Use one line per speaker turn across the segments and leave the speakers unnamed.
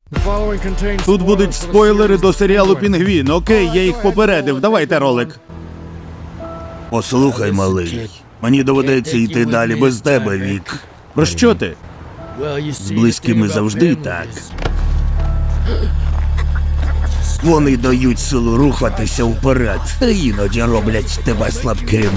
Тут будуть спойлери до серіалу «Пінгвін». Окей, я їх попередив. Давайте ролик.
Послухай, малий, мені доведеться йти далі без тебе, Вік.
Про що ти?
З близькими завжди так. Вони дають силу рухатися вперед, та іноді роблять тебе слабким.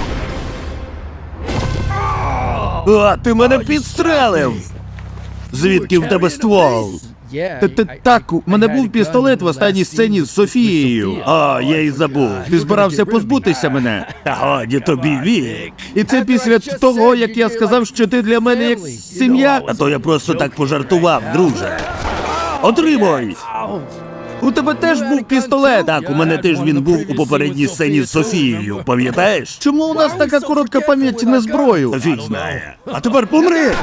А, ти мене підстрелив! Звідки в тебе ствол?
Так, у мене був пістолет в останній сцені з Софією.
А, я й забув.
Ти збирався позбутися мене.
Та годі тобі, Вік.
І це після того, як я сказав, що ти для мене як сім'я.
А то я просто так пожартував, друже. Отримуй!
У тебе теж був пістолет.
Так, у мене теж він був у попередній сцені з Софією, пам'ятаєш?
Чому у нас така коротка пам'ять на зброю?
Фіг знає. А тепер помри!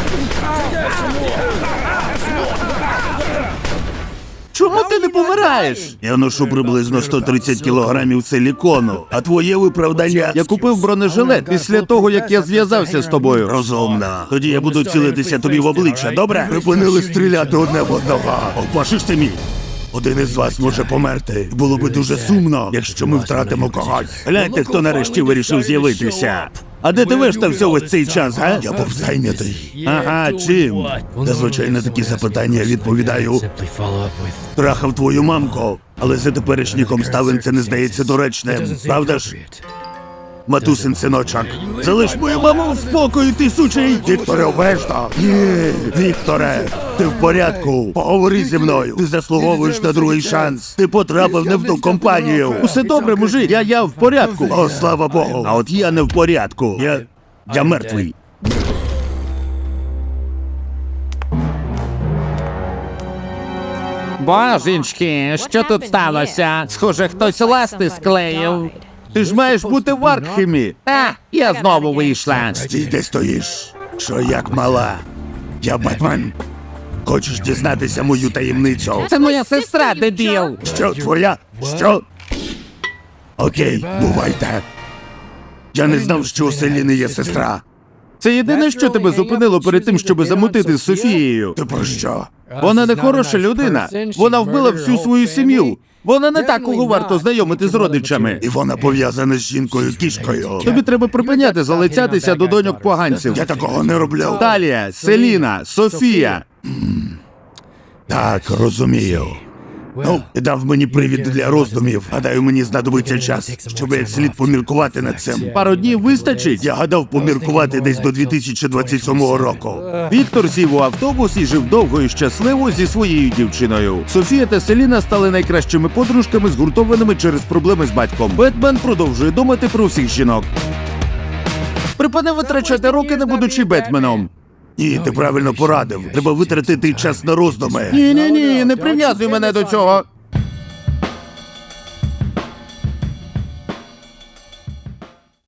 Чому ти не помираєш?
Я ношу приблизно 130 кілограмів силікону, а твоє виправдання...
Я купив бронежилет після того, як я зв'язався з тобою.
Розумно. Тоді я буду цілитися тобі в обличчя, добре? Припинили стріляти одне в одного. Опашиш ти мій? Один із вас може померти. Було би дуже сумно, якщо ми втратимо когось. Гляньте, хто нарешті вирішив з'явитися. А де ти виштався весь цей час, га? Я був зайнятий. Ага, чим? Та, звичайно, такі запитання я відповідаю. Трахав твою мамку, але за теперішніх обставин це не здається доречним. Правда ж? Матусин синочок. Залиш мою маму в спокої, ти сучий! Вікторе, обережно! Ні, Вікторе, ти в порядку. Поговори зі мною. Ти заслуговуєш на другий шанс. Ти потрапив не в ту компанію.
Усе добре, мужик, я в порядку.
О, слава Богу. А от я не в порядку. Я мертвий.
Божечки, що тут сталося? Схоже, хтось ласти склеїв.
Ти ж маєш бути в Аркхемі.
Я знову вийшла.
Стій, де стоїш? Що як мала? Я Бетмен. Хочеш дізнатися мою таємницю?
Це моя сестра, дебіл.
Що, твоя? Що? Окей, бувайте. Я не знав, що у Селіни є сестра.
Це єдине, що тебе зупинило перед тим, щоб замутити з Софією.
Ти про що?
Вона не хороша людина. Вона вбила всю свою сім'ю. Вона не так, кого варто знайомити з родичами.
І вона пов'язана з жінкою-кішкою.
Тобі треба припиняти залицятися до доньок поганців.
Я такого не роблю.
Талія, Селіна, Софія.
Так, розумію. Ну, дав мені привід для роздумів. Гадаю, мені знадобиться час, щоб як слід поміркувати над цим.
Пару днів вистачить.
Я гадав поміркувати десь до 2027 року.
Віктор сів у автобус і жив довго і щасливо зі своєю дівчиною. Софія та Селіна стали найкращими подружками, згуртованими через проблеми з батьком. Бетмен продовжує думати про всіх жінок. Припини витрачати роки, не будучи Бетменом.
Ні, ти правильно порадив. Треба витратити час на роздуми.
Ні, не прив'язуй мене до цього.